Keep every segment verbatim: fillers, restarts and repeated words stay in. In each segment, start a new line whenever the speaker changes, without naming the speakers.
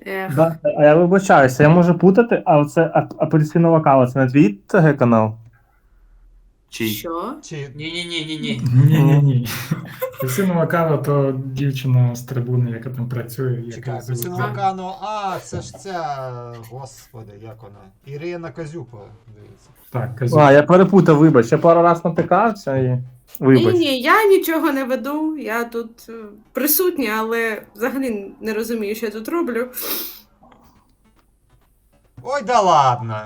Ех,
Да, а я вибачаюся, я можу путати, а оце ап- апельсинова кава, це не твій ТГ канал?
Чий?
що?
Чи
Ні-ні-ні-ні-ні.
Ні-ні-ні. Апельсинова кава то дівчина з трибуни, яка там працює. яка
чекай,
звуть-
Апельсинова Кано, а, це ж ця, господи, як вона? Ірина Козюпа, дивіться.
Так, кажу.
А, я перепутав, вибач. Я пару раз натикався і.
Ні,
Вибач.
ні, я нічого не веду. Я тут е, присутня, але взагалі не розумію, що я тут роблю.
Ой, да ладно.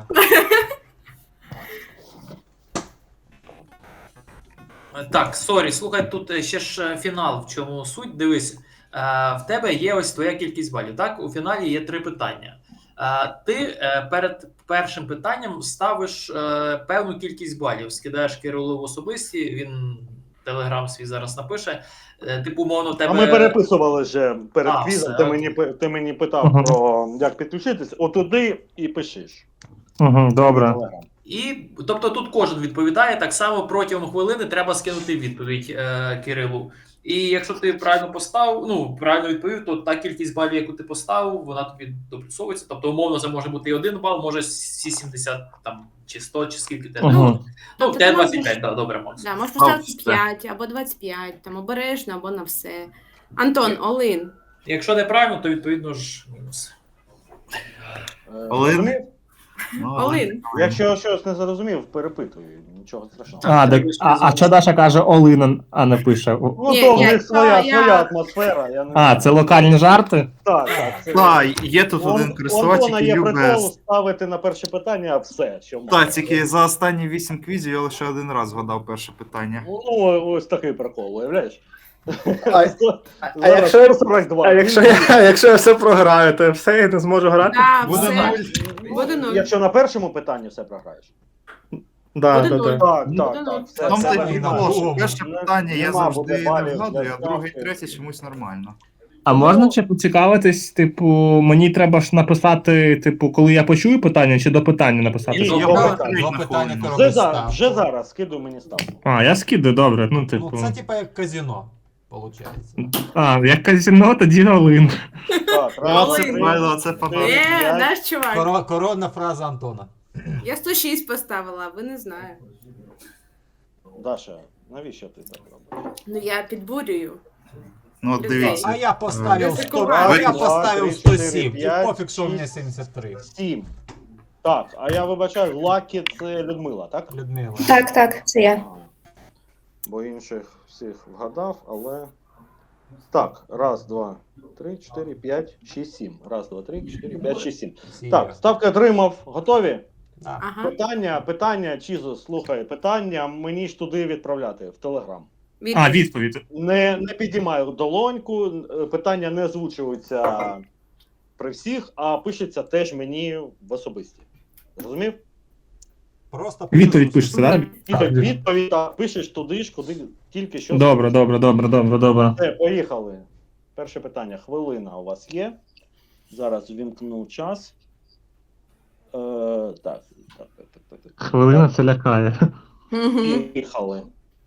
Так, сорі, слухай, тут е, ще ж е, фінал, в чому суть. Дивись, е, в тебе є ось твоя кількість балів. Так, у фіналі є три питання. Е, Ти е, перед першим питанням ставиш е, певну кількість балів, скидаєш Кирилу в особисті, він телеграм свій зараз напише. Е, Типу, умовно, в тебе.
А ми переписували вже перед
А,
квізом,
все,
ти
окей.
мені, пи- ти мені питав
Ага.
про як підключитись, отуди і пишеш.
Угу, добре.
Телеграм.
І, тобто тут кожен відповідає, так само протягом хвилини треба скинути відповідь е, Кирилу. І якщо ти правильно поставив, ну, правильно відповів, то та кількість балів, яку ти поставив, вона тобі доплюсовується. Тобто, умовно, це може бути і один бал, може всі сімдесят там, чи сто, чи скільки тебе.
Ага.
Ну, ну, в
Тобто
тебе
ти
двадцять
можеш-
п'ять, да, добре, Макс.
Да, можеш поставити
все.
п'ять або двадцять п'ять, там обережно, або на все. Антон, Олин.
Якщо неправильно, то відповідно ж мінус.
Е,
Олен?
розумів?
Ну,
Олин.
Якщо щось не зрозумів, перепитую, нічого страшного.
А, так, а, а що Даша каже Олина, а не пише? О-
Ну,
Ні,
то в
я-
них своя,
я-
своя атмосфера. Я не
А, це локальні жарти?
Так, так. Це...
Так, є тут
У Ан-
один
у
користувач,
Антона
який
є
любить.
прикол ставити на перше питання, а все, що
Так,
має.
тільки за останні вісім квізів я лише один раз згадав перше питання.
Ну, ось такий прикол, уявляєш?
А, а якщо я-
сорок два.
А якщо я, якщо я все програю, то все, я не зможу грати?
Да,
Буде
все.
нуль.
Буде нуль.
Якщо на першому питанні все програєш.
Да,
Буде
да,
нуль.
да.
Так,
Буде
так,
нуль.
так. все,
Там
це
тоді
нормально.
нормально.
було, що
Нема
перше
Не-
питання я
нема
завжди
буде
не
балів
вгадую,
для
а другий,
ставки.
третій чомусь нормально.
А можна ще поцікавитись, типу, мені треба ж написати, типу, коли я почую питання, чи до питання написати?
Ні,
До
я
питання.
питання.
Два
на
питання
хвилину.
ти
Вже,
робиш
за,
ставку.
вже зараз, скидуй мені ставку.
А, я скидаю, добре, ну, типу.
Ну, це типа як казино, виходить.
А, як казино, тоді Олин.
Так,
А
раз,
Олен.
це
три,
правильно, це фанат.
Ні.
Е,
п'ять.
наш чувак.
Коро- Коронна фраза Антона.
Я сто шість поставила, а ви не знаю.
Даша, навіщо ти так робиш?
Ну я підбурюю.
Ну, от
Людей.
дивіться.
А я поставив
Я
сто,
закувала.
а я
Два,
поставив
три,
сто
чотири,
сім. І
п'ять,
пофіг, що у мене
шість.
сімдесят три.
Сім. Так, а я вибачаю, Лакі це Людмила, так?
Людмила.
Так, так, це я.
Бо інших всіх вгадав, але. Так, раз, два, три, чотири, п'ять, шість, сім. Раз, два, три, чотири, п'ять, шість, сім.
Всі
Так,
є.
ставки отримав. Готові?
Да.
Ага.
Питання, питання, Чізо, слухай, питання мені ж туди відправляти, в Телеграм.
А, відповідь.
Не, не підіймаю долоньку, е, питання не озвучуються при всіх, а пишеться теж мені в особисті. Зрозумів?
Просто
Відповідь пишеться, так?
Відповідь, відповідь так, пишеш туди ж, куди тільки що.
Добре, добре, добре, добре, добре.
Все, поїхали. Перше питання. Хвилина у вас є. Зараз вімкну час. Е, так, так, так, так, так, так.
Хвилина це лякає.
Мгм.
Поїхали.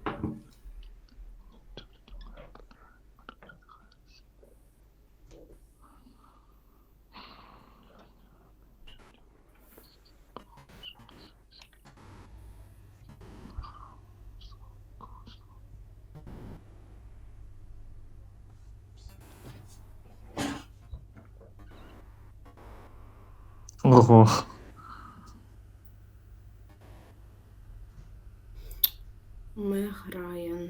Ого.
Мег Райан.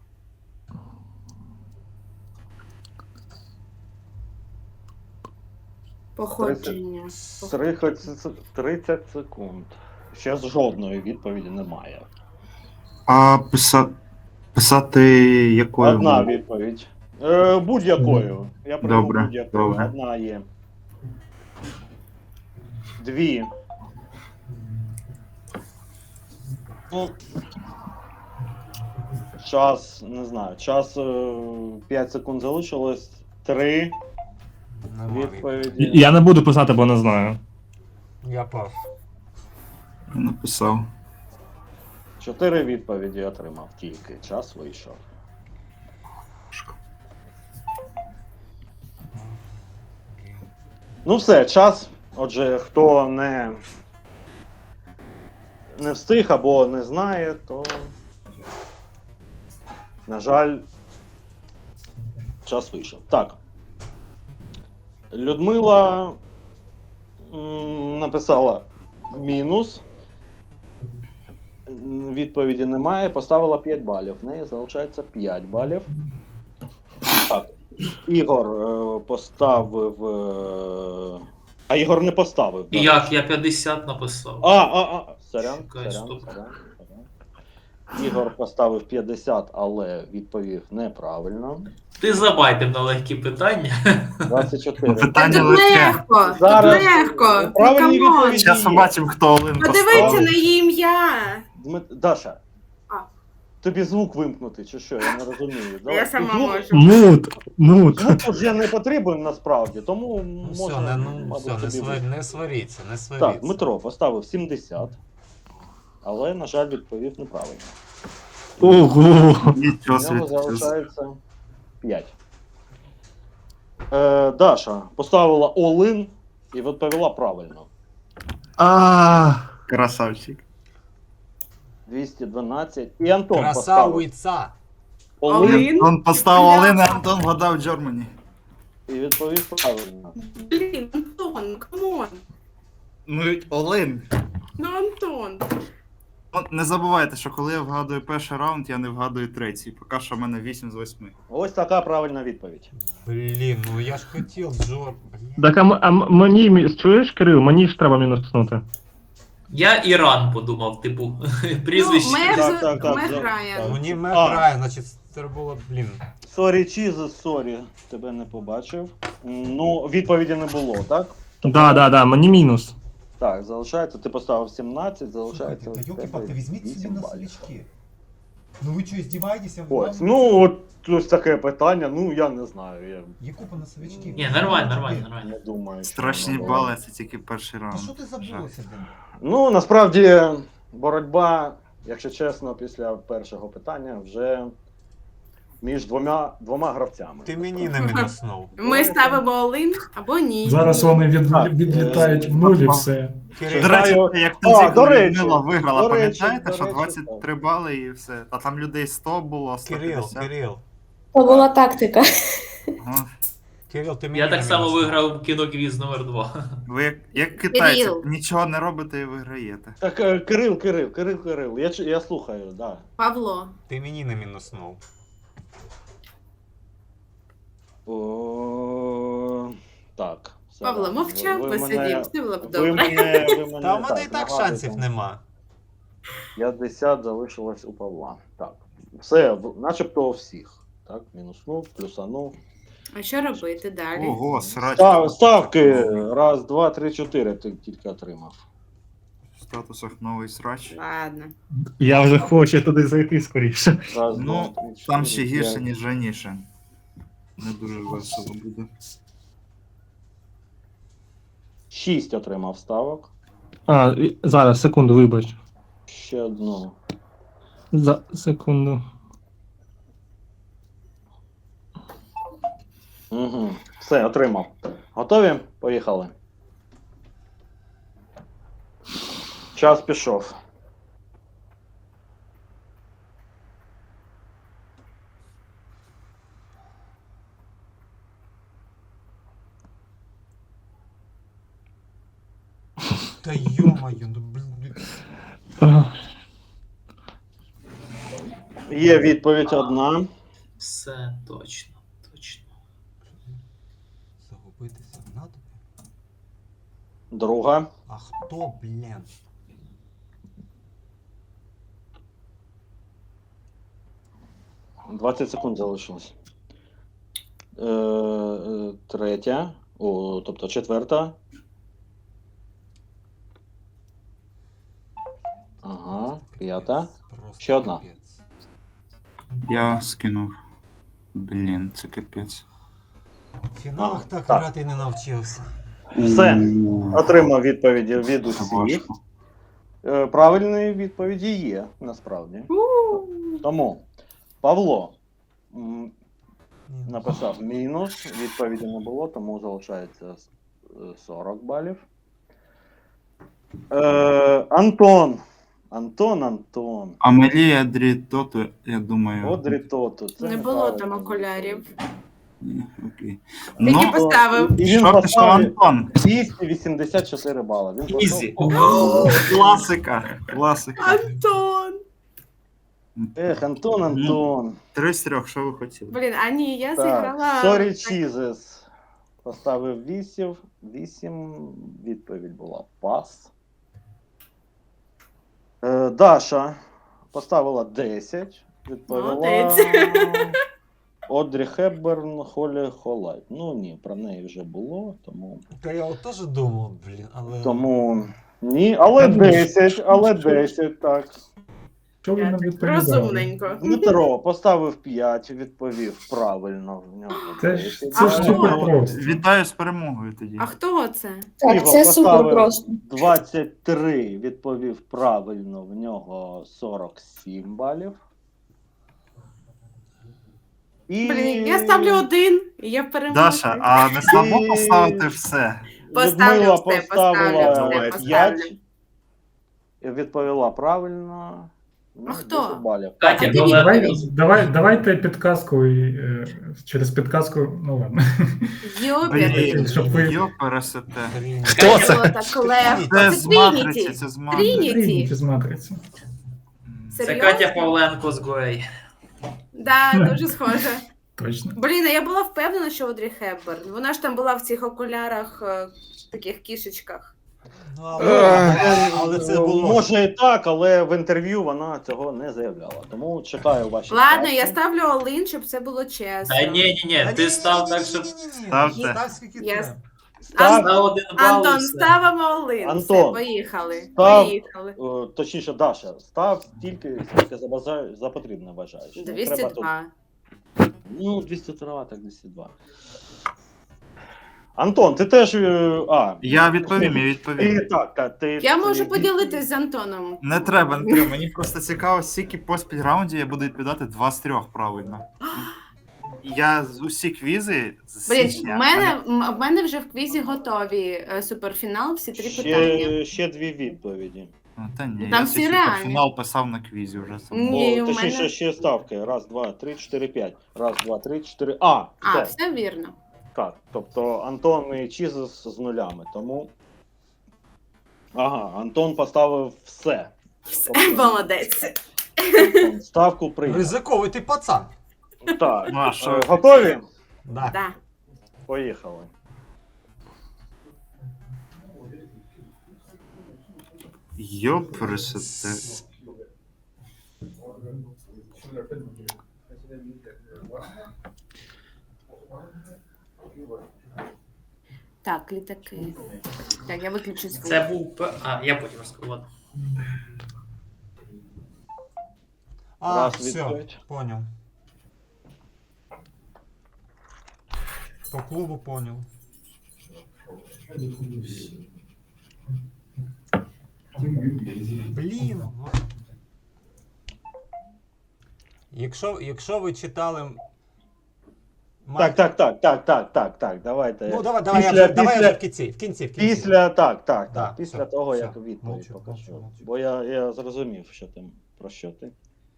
Походження.
тридцять, тридцять секунд. Ще жодної відповіді немає.
А писа... писати якою?
Одна
мовою?
відповідь. Е, будь-якою. Я прийму
Добре,
будь-якою.
добре.
Одна є. Дві. Ну, час, не знаю, час е, п'ять секунд залишилось. Три
Нема
відповіді.
Я не буду писати, бо не знаю.
Я пав.
Я написав.
Чотири відповіді отримав тільки. Час вийшов. Ну все, час. Отже, хто не, не встиг або не знає, то, на жаль, час вийшов. Так. Людмила м, написала мінус. М, Відповіді немає. Поставила п'ять балів. В неї залишається п'ять балів. Так. Ігор е, поставив. е, А Ігор не поставив.
І
так?
як? Я п'ятдесят написав.
А, а, а. Сорян,
Чекай,
сорян,
стоп.
сорян, сорян. Ігор поставив п'ятдесят, але відповів неправильно.
Ти забайтив на легкі питання.
двадцять
Ну,
чотири.
питання
Тут
легке.
легко, тут
Зараз
легко. Ну,
правильні
камон.
відповіді.
Зараз побачимо, хто Олен
Подивіться
поставив.
на її ім'я.
Дмит... Даша.
А.
Тобі звук вимкнути, чи що? Я не розумію. Давай.
Я сама
Звук-
можу.
Мут, мут.
Звук вже не потрібен насправді, тому
Ну
можна.
все, не, ну,
мабуть,
все, не,
тобі
свар...
вимкнути.
не сваріться, не сваріться.
Так, Дмитро поставив сімдесят, але, на жаль, відповів неправильно.
Ого.
Нічого
У нього
собі.
залишається п'ять. Е, Даша поставила all-in і відповіла правильно.
А,
Красавчик.
двісті дванадцять. І Антон поставив
Красавиця!
all-in
All-in?
Он поставив Олен, а Антон вгадав Джормані.
і відповів правильно.
Блін, Антон, камон.
Ну, Олен.
Ну, Антон.
Ну, не забувайте, що коли я вгадую перший раунд, я не вгадую третій. Поки що в мене вісім з восьми.
Ось така правильна відповідь.
Блін, ну я ж хотів, Джор. Блін.
так а, м- а м- мені, мі- чуєш, Кирил, мені ж треба мінуснути.
Я Іран подумав, типу, прізвище.
Ну, Мер,
Так, так, так,
Мер
так.
Райан.
Ну не
А.
меграє, значить це було, блін.
Сорі, чіз, сорі, тебе не побачив. М, Ну, відповіді не було, так?
Да, да, да, мені мінус.
Так, залишається, ти поставив сімнадцять, залишається.
Слушайте, да
ось
елки-палки,
тебе
возьмите
вісім
себе на
балів.
свечки. Ну вы что, издеваетесь?
Ось, ну, от ось таке питання, ну я не знаю. Я
Якупа на свечки.
Ні, нормально, нормально, нормально.
не думаю, що
Страшні
воно було.
бали, це тільки перший
Да
раунд.
что ты забылся, блин?
Ну, насправді, боротьба, якщо чесно, після першого питання вже між двома, двома гравцями.
Ти мені не мінуснув.
Ми ставимо All-in або ні.
Зараз вони від...
Так,
відлітають
е,
в нуль і все.
Кирил,
До речі,
Знаю.
як
А,
тоді,
до
коли
речі,
Людмила виграла,
до речі,
пам'ятаєте,
до
що
речі,
двадцять три бали і все. А там людей сто було, сто
Кирил,
п'ятдесят.
Кирил.
То була тактика.
Ага.
Кирил, ти мені
Я
не
так само
мінуснув.
виграв кіноквіз номер два.
Ви як, як китайці,
Кирил.
нічого не робите і виграєте.
Так, е, Кирил, Кирил, Кирил, Кирил, я, ч- я слухаю, да.
Павло.
Ти мені не мінуснув.
О, так. все,
Павло
ладно.
мовчав,
Ви- ви
посидів,
мене-
все було б
Ви
добре.
мене, ви мене,
Та в мене і так
нагадуєте.
шансів нема.
п'ятдесят залишилось у Павла. Так. Все, в- начебто у всіх. Так, мінуснув, плюсанув.
А що робити далі?
Ого, срач.
Став, ставки. Раз, два, три, чотири ти тільки отримав.
В статусах новий срач.
Ладно.
Я вже хочу туди зайти скоріше.
Раз,
Ну,
два, три,
Там
чотири,
ще гірше,
п'ять.
ніж раніше. Не дуже весело буде.
Шість отримав ставок.
А, і- зараз, секунду, вибач.
Ще одну.
За секунду.
Угу. Все, отримав. Готові? Поїхали. Час пішов.
Та йо-моє, ну блін.
А,
Є відповідь одна.
Все точно, точно.
Загубитися в натовпі?
Друга.
А хто, блін?
двадцять секунд залишилось. Е, е, третя. О, тобто четверта. Ага, п'ята.
Просто
Ще одна.
капець.
Я скинув. Блін, це капець.
В фіналах
А,
так
так.
грати не навчився.
Все. Отримав відповіді від
Це
усіх.
важко.
Е, правильні відповіді є, насправді.
У.
Тому Павло м,
Ні, ну,
написав мінус, відповіді не було, тому залишається е, сорок балів. Е, Антон. Антон, Антон.
Амелія Дрітоту, я думаю.
Одрі Тоту. Це
Не було
неправильно.
там окулярів.
Ні, окей.
Тільки
Ну,
поставив.
І він
що пішов
поставив
Антон?
двісті вісімдесят чотири бали. Він поставив-
Ізі. Класика. Класика.
Антон!
Ех, Антон, Антон.
Три з трьох, що ви хотіли?
Блін, а ні, я
Так,
зіграла.
Sorry Jesus. Поставив вісім. вісім. Відповідь була пас. Е, Даша поставила десять. Відповіла.
Молодець.
Одрі Хепберн, Холі Холайт. Ну ні, про неї вже було, тому.
Та я от теж думав, блін, але.
Тому ні, але
Я думаю,
десять, але
що-
десять, так.
Що ви
Я
нам
так
відповідали?
розумненько.
Дмитро поставив п'ять, відповів правильно. В нього
Це ж
десять.
це ж
А,
супер
ну,
просто.
Вітаю з перемогою тоді.
А хто це?
Так,
Ігор
це супер
поставив
просто.
двадцять три, відповів правильно, в нього сорок сім балів. І...
Блін, я ставлю один, і я переможу.
Даша, а не слабо
І-
поставити все?
Поставлю
Людмила
все,
поставила
поставлю все,
п'ять,
поставлю.
і відповіла правильно. Ну,
А хто?
десять балів.
Катя,
А ти
була-
Давай, давай, давайте підказку і е, через підказку, ну ладно.
Йобір.
Блін,
щоб ви-
йо пересете.
Блін.
Хто це?
Було так легко.
Це
Це
з матриці,
Трініті.
це з матриці.
Трініті.
Трініті з матриці.
Це
Серйозно?
Катя Павленко з Гуей.
Да, дуже схоже.
Точно.
Блін, а я була впевнена, що Одрі Хепберн. Вона ж там була в цих окулярах, е, таких кішечках.
Ну, але, але це
Ну,
було.
Може і так, але в інтерв'ю вона цього не заявляла. Тому чекаю ваші.
Ладно,
ставки.
я ставлю Олин, щоб це було чесно.
Та ні, ні, ні, ти став так, щоб
Ставте.
Став скільки
Я-
треба.
Став,
на один бал. і
Антон,
все.
ставимо Олин.
Антон,
Все, поїхали.
став.
Поїхали.
е, точніше, Даша, став стільки, скільки за, бажа- за потрібне вважаєш. Не треба тут-
двісті два.
Ну, двісті два, так двісті два. Антон, ти теж. е, А,
Я відповім, я
ти,
відповім.
так, так, ти,
Я можу
ти-
поділитись з Антоном.
Не треба, не треба. Мені просто цікаво, скільки поспіль раундів я буду відповідати два з трьох правильно. Я з усі квізи з
Блін,
січня,
в мене, м- в мене вже в квізі готові е, суперфінал, всі три питання.
Ще, ще дві відповіді.
Ну, та ні,
Там
я
всі
цей
реальні.
фінал писав на квізі вже сам.
Ні,
О,
у
точніше,
мене-
ще ставки. Раз, два, три, чотири, п'ять. Раз, два, три, чотири. А,
А,
все.
все вірно.
Так, тобто Антон і Чізес з нулями, тому. Ага, Антон поставив все.
Все,
Тобто,
молодець.
Антон ставку прийняв.
Ризиковий ти пацан.
Так,
Ну, а що?
е, готові?
Да.
Да.
Поїхали.
Йо пересете.
Так, літаки. Так, я виключу звук.
Це був. п- А, я потім розкажу. Ладно.
А,
Раз,
все,
відповідь.
поняв. По клубу поняв. Блін. ну. Якщо, якщо ви читали.
Так, так, так, так, так, так, так. Давайте.
Ну, давай, давай,
Після-
я вже, давай я
після-
вже в кінці, в кінці, в кінці.
Після так, так,
Да,
так. Після
все,
того,
все.
як відповідь
Мовчу,
покажу.
мовчу, мовчу.
Бо я, я зрозумів, що ти про що ти.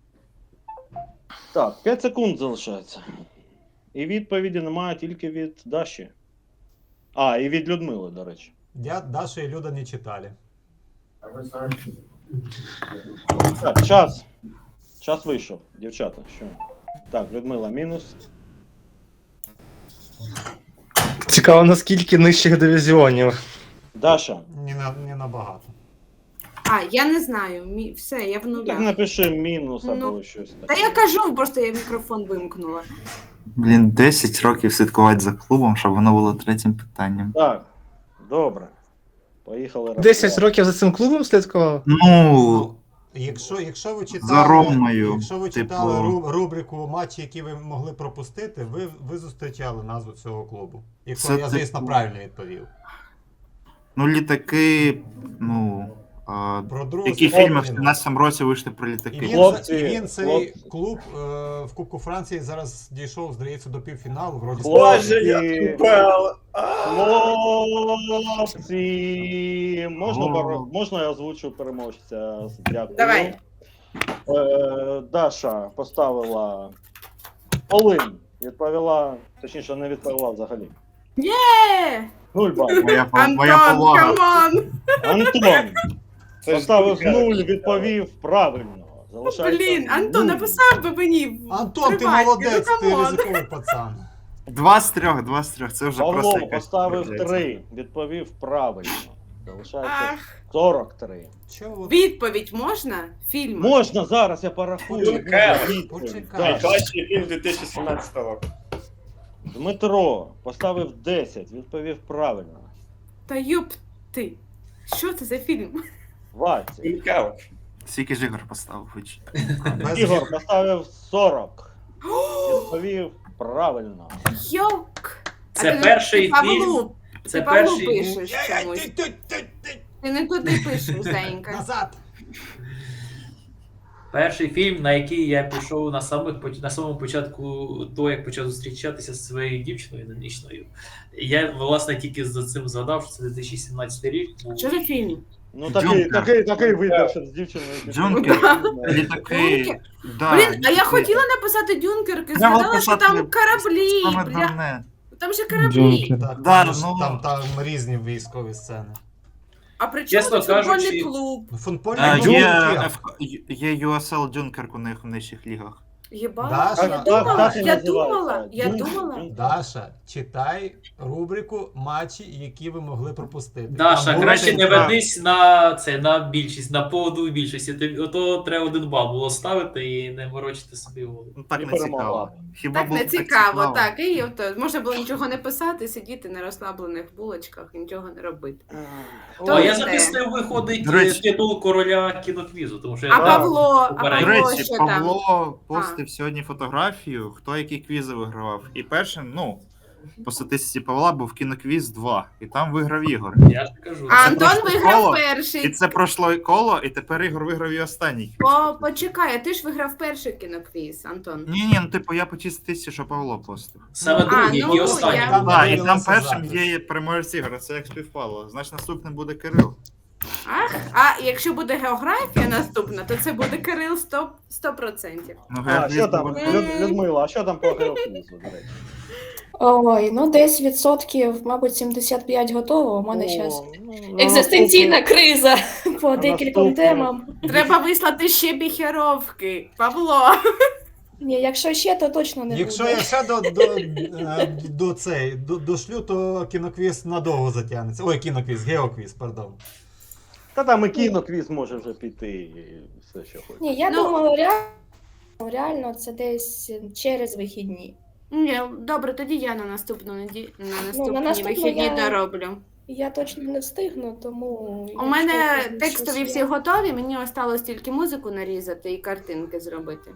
Так, п'ять секунд залишається. І відповіді немає тільки від Даші. А, і від Людмили, до речі.
Я, Даша і Люда не читали.
Так, час. Час вийшов, дівчата. Що? Так, Людмила мінус.
Цікаво, наскільки нижчих дивізіонів.
Даша.
Не, на, не набагато.
А, я не знаю. Мі... Все, я в
Так
нулях.
напиши мінус або
Ну,
щось таке.
Та я кажу, просто я мікрофон вимкнула.
Блін, десять років слідкувати за клубом, щоб воно було третім питанням.
Так, добре. Поїхали.
десять
рахувати.
років за цим клубом слідкував?
Ну,
Якщо, якщо ви читали,
За Ромою,
якщо ви
типу-
читали ру- рубрику матчі, які ви могли пропустити, ви, ви зустрічали назву цього клубу. Якщо
Це
я, звісно,
типу-
правильно відповів.
ну літаки, ну, А,
Про другу
які
світову
фільми в
війну.
сімнадцятому році вийшли про
І
літаки?
він,
Хлопці,
і він цей
хлопці.
клуб е, в Кубку Франції зараз дійшов, здається, до півфіналу. Вроді
Хлопці, хлопці, можна,
О.
пере- можна я озвучу переможця? Дякую.
Давай.
Е, Даша поставила Олин. Відповіла, точніше, не відповіла взагалі.
Е,
Нуль балів.
Моя, по- моя
Антон,
повага.
камон!
Антон поставив нуль, відповів правильно. Залишається
Блін, Антон,
нуль.
написав би мені. в
Антон, ти
приваті,
молодець,
ну,
ти
камон.
ризиковий пацан.
Два з трьох, два з трьох. Це вже просто
Павло
якась
поставив
трагедія.
три, відповів правильно. Залишається
Ах,
сорок три.
Чого?
відповідь можна? Фільм.
Можна зараз, я порахую.
Почекай,
Відповідь.
почекай.
Так.
Найкращий фільм дві тисячі сімнадцятого року.
Дмитро поставив десять, відповів правильно.
Та юп ти. Що це за фільм?
двадцять.
Цікаво.
Скільки ж ігор поставив хоч?
Без
Ігор поставив сорок. Відповів правильно.
Йок!
Це
А ти
перший
ти Павлу,
фільм.
Ти
Це
Павлу
перший.
пишеш чомусь. Ти не туди пишеш, Зенька.
Назад.
Перший фільм, на який я пішов на самих поч- на самому початку того, як почав зустрічатися з своєю дівчиною нинішньою. Я, власне, тільки за цим згадав, що це дві тисячі сімнадцятий рік. був.
Що за фільм?
Ну такий,
Джункер.
такий, такий вибір, щоб з дівчиною.
Джункер,
піти.
літаки.
Джункер?
Да,
Блін, а я
літаки.
хотіла написати Дюнкерки,
Треба
згадала, що
писати
там кораблі.
Саме
Бля,
дурне.
там же кораблі.
Джункер.
Так,
Да,
там, ж-
ну-
там, там різні військові сцени.
А при чому
Чесно
тут футбольний
кажучи,
клуб?
Ну, футбольний
А,
клуб
Є,
Київ.
Ф- є ю ес ел Джункер у них в нижчих лігах.
Єба.
Даша.
Я
Так,
думала,
так і
я
називається.
думала, я
Джункер,
думала.
Джункер.
Даша, читай рубрику матчі, які ви могли пропустити.
Даша,
Там
краще
буде-
не ведись на це на більшість, на поводу більшості. Тобі ото треба один бал було ставити і не морочити собі голову.
Ну так
І
не
перемогла.
цікаво. Хіба
Так
було
не
б
цікаво, так. І ото, можна було нічого не писати, сидіти на розслаблених булочках і нічого не робити. То
А я
йде.
записав, виходить
До речі.
титул короля кіноквізу, тому що я
А
там-
Павло, а
Попередньо.
До
Павло
речі,
що там?
Павло постив сьогодні фотографію, хто які квізи вигравав. І першим, ну, по статистиці Павла був кіноквіз два. І там виграв Ігор.
Я ж кажу.
А
Це
Антон
просто
виграв
коло, І
перший.
це пройшло коло, і тепер Ігор виграв і останній.
О, почекай, а ти ж виграв перший кіноквіз, Антон.
Ні, ні, ну типу я по тій статистиці, що Павло постив.
Саме другий
ну,
і останній.
я-
Там
Так, і
виявилося
там першим
запис.
є переможець Ігора, це як співпало. Значить наступним буде Кирил.
Ах, а якщо буде географія наступна, то це буде Кирил сто процентів.
Ну,
А,
Георгій
що там,
буде-
Люд- Людмила, а що там по геоквізу, до речі?
Ой, ну десь відсотків, мабуть, сімдесят п'ять готово. У мене
О,
зараз
ну,
екзистенційна криза по
А
декільком
наступне?
темам.
Треба вислати ще біхеровки. Павло.
Ні, якщо ще, то точно не
Якщо
буде.
я ще до, до, е, до, цей, до, дошлю, то кіноквіз надовго затягнеться. Ой, кіноквіз, геоквіз, пардон.
Та там і кіноквіз може вже піти, і все, що хоче.
Ні, я
Ну-
думала, реально, реально це десь через вихідні.
Ні, добре, тоді я на наступну неді... на наступні
наступну
вихідні
я-
дороблю.
Я точно не встигну, тому.
У
якщо
мене
щось
текстові
є-
всі готові, мені осталось тільки музику нарізати і картинки зробити.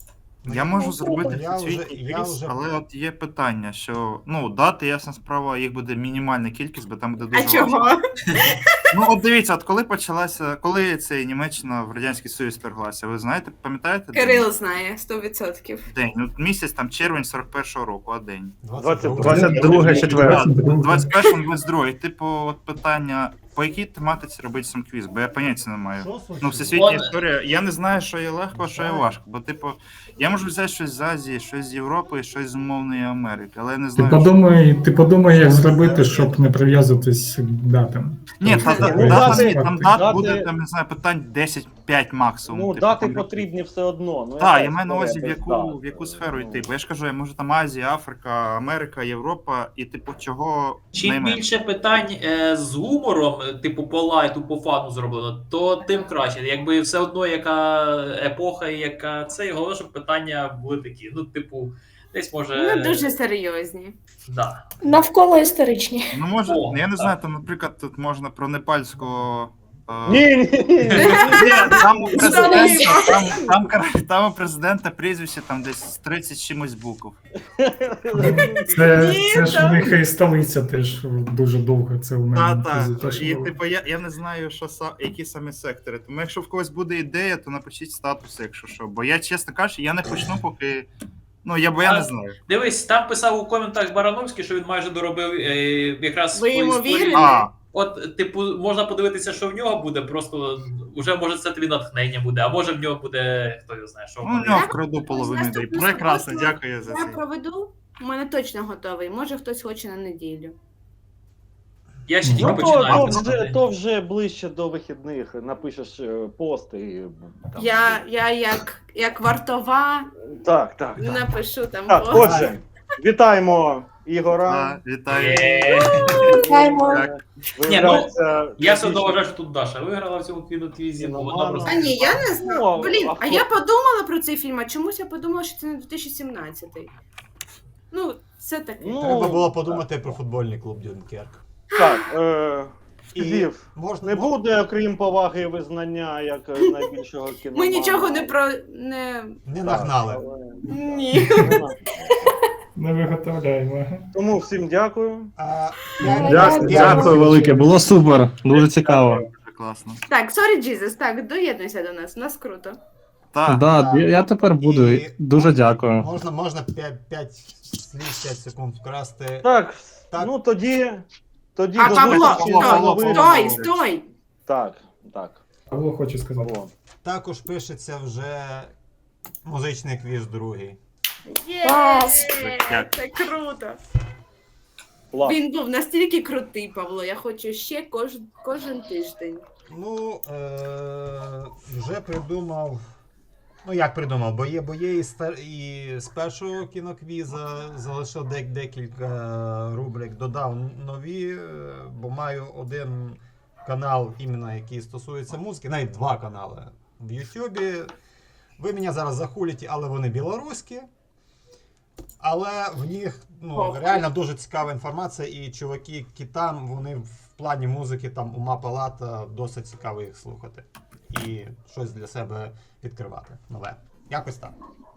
Я можу
Ну,
зробити
я вже-
всесвітній
я
квіз,
вже-
але от є питання, що ну дати, ясна справа, їх буде мінімальна кількість, бо там буде
А
дуже важко.
чого?
Ну от дивіться, от коли почалася, коли цей Німеччина в Радянський Союз вторглася, ви знаєте, пам'ятаєте? день?
Кирил знає, сто відсотків.
День. Ну, місяць там червень сорок першого року, а день.
двадцять
двадцять друге, четверте.
двадцять першого, двадцять другого. Типу, от питання, по якій тематиці робити сам квіз, бо я поняття не маю.
Що случилось?
Ну, всесвітня
Вон-
історія, я не знаю, що є легко, а що є важко. Бо, типу, я можу взяти щось з Азії, щось з Європи, щось з умовної Америки, але я не
Ти
знаю. що-
подумай, ти подумай, як зробити, щоб не прив'язуватись к датам.
Ні, та,
Ну,
та,
ну,
дата,
дати-
ні, там дат
дати-
буде, там, не знаю, питань десять п'ять максимум.
Ну,
типу,
дати
там-
потрібні все одно. Ну,
Так,
яка
я маю на увазі, в
історія
яку,
без
в яку
дат?
сферу
Ну,
йти. Бо я ж кажу, я можу там Азія, Африка, Америка, Європа, і типу, чого
Чим
найменше.
більше питань е, з гумором, е, типу по лайту, по фану зроблено, то тим краще. Якби все одно яка епоха і яка це, і головне, щоб питання були такі. Ну, типу, десь може.
Ну, дуже серйозні.
Да.
Навколо історичні.
Ну, може,
О,
я не
так.
знаю, там, наприклад, тут можна про непальського Е,
Ні, ні, ні.
Ні, там у президента,
Столиця.
там, там, кар- там у президента прізвище там десь тридцять з чимось букв.
Це,
Ні,
це ж
там-
в них і столиця теж дуже довго. Це у
Та,
мене
та.
фізично
І
було.
типу, я, я не знаю, що са, які саме сектори. Тому якщо в когось буде ідея, то напишіть статус, якщо що. Бо я, чесно кажучи, я не почну, поки. Ну, я бо я не знаю.
Дивись, там писав у коментах Барановський, що він майже доробив е, якраз
Ви
по
йому
історії.
вірите?
А,
От, типу, можна подивитися, що в нього буде, просто вже може це тобі натхнення буде, а може в нього буде, хто його знає, що.
ну, у нього вкраду половину ідей.
Наступну
Прекрасно,
суботу
дякую за
Я
це.
проведу. У мене точно готовий. Може хтось хоче на неділю.
Я ще тільки
Ну, то,
починаю
то,
писати.
вже, то вже ближче до вихідних. Напишеш е, пост і. Там.
Я, я як, як вартова
Так, так. так.
напишу там
Так,
пост.
отже, вітаємо Ігора.
А, вітаю.
Є.
Вітаємо.
Так.
Ні, ну,
Виявляється,
Я все
більше-
вважаю, що тут Даша виграла в цьому кіноквізі, бо вона
Нормально.
просто.
А ні, я не знаю.
Ну,
Блін,
а
а
хто?
я подумала про цей фільм, а чомусь я подумала, що це не дві тисячі сімнадцятий. Ну, все таке.
Ну,
Треба було подумати про футбольний клуб Дюнкерк.
Так, е,
І
Стів,
можна
не буде, окрім поваги і визнання, як е, найбільшого кіномана.
Ми нічого не про. не.
не нагнали.
Ні.
Не виготовляємо.
Тому всім дякую.
А,
Дякую,
п'ять-
Дякую велике, було супер, дуже цікаво.
Дуже класно.
Так, sorry, Jesus, так, доєднуйся до нас, у нас круто.
Так.
Да, я я тепер буду.
І-
Дуже дякую.
Можна, можна п'ять слів, п'ять секунд вкрасти.
Так,
Так.
ну тоді. Тоді
А
до
Павло,
зустрічі
Павло,
на
Павло,
новинах.
Стой, стой!
Так, так.
Павло хоче сказати.
Павло.
Також пишеться вже музичний квіз другий.
Є!
Клас.
Дякую.
Це круто.
Клас.
Він був настільки крутий, Павло. Я хочу ще кож... кожен тиждень.
Ну, е- вже придумав. Ну, як придумав, бо є, бо є і, стар... і з першого кіноквіза залишив дек- декілька рубрик, додав нові, е, бо маю один канал, іменно який стосується музики, навіть два канали в Ютубі. Ви мене зараз захулите, але вони білоруські. Але в них ну,
Ох.
реально дуже цікава інформація, і чуваки, які там, вони в плані музики, там ума палата, досить цікаво їх слухати. І щось для себе відкривати нове. Якось так.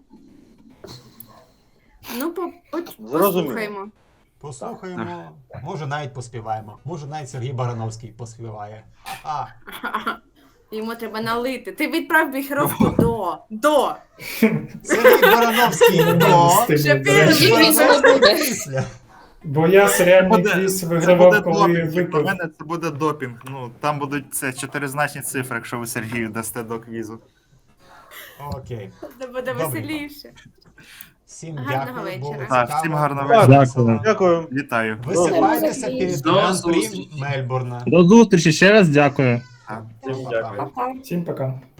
Ну, по... по...
Зрозуміло.
послухаймо.
Послухаємо, може навіть поспіваємо. Може навіть Сергій Барановський поспіває. А,
Йому треба налити. Ти відправ мікрофон до. До.
Сергій Барановський до.
Ще
Сергій квізу не буде.
Після.
Бо я серіальний
Буде-
квіз
Це буде
вигравав, коли
допінг. Для
випив.
мене це буде допінг. Ну, там будуть це чотиризначні цифри, якщо ви Сергію дасте до квізу.
Окей.
Це буде
Добре.
веселіше.
Всім
Гарного
дякую. було
вечора.
Так,
цікаво.
всім гарного
Так,
вечора.
Дякую.
Дякую.
Вітаю.
Висипайтеся перед
До
гран-прі
зустрічі.
Мельбурна.
До зустрічі, ще раз дякую.
Так.
Всім дякую.
Пока.
Всім пока.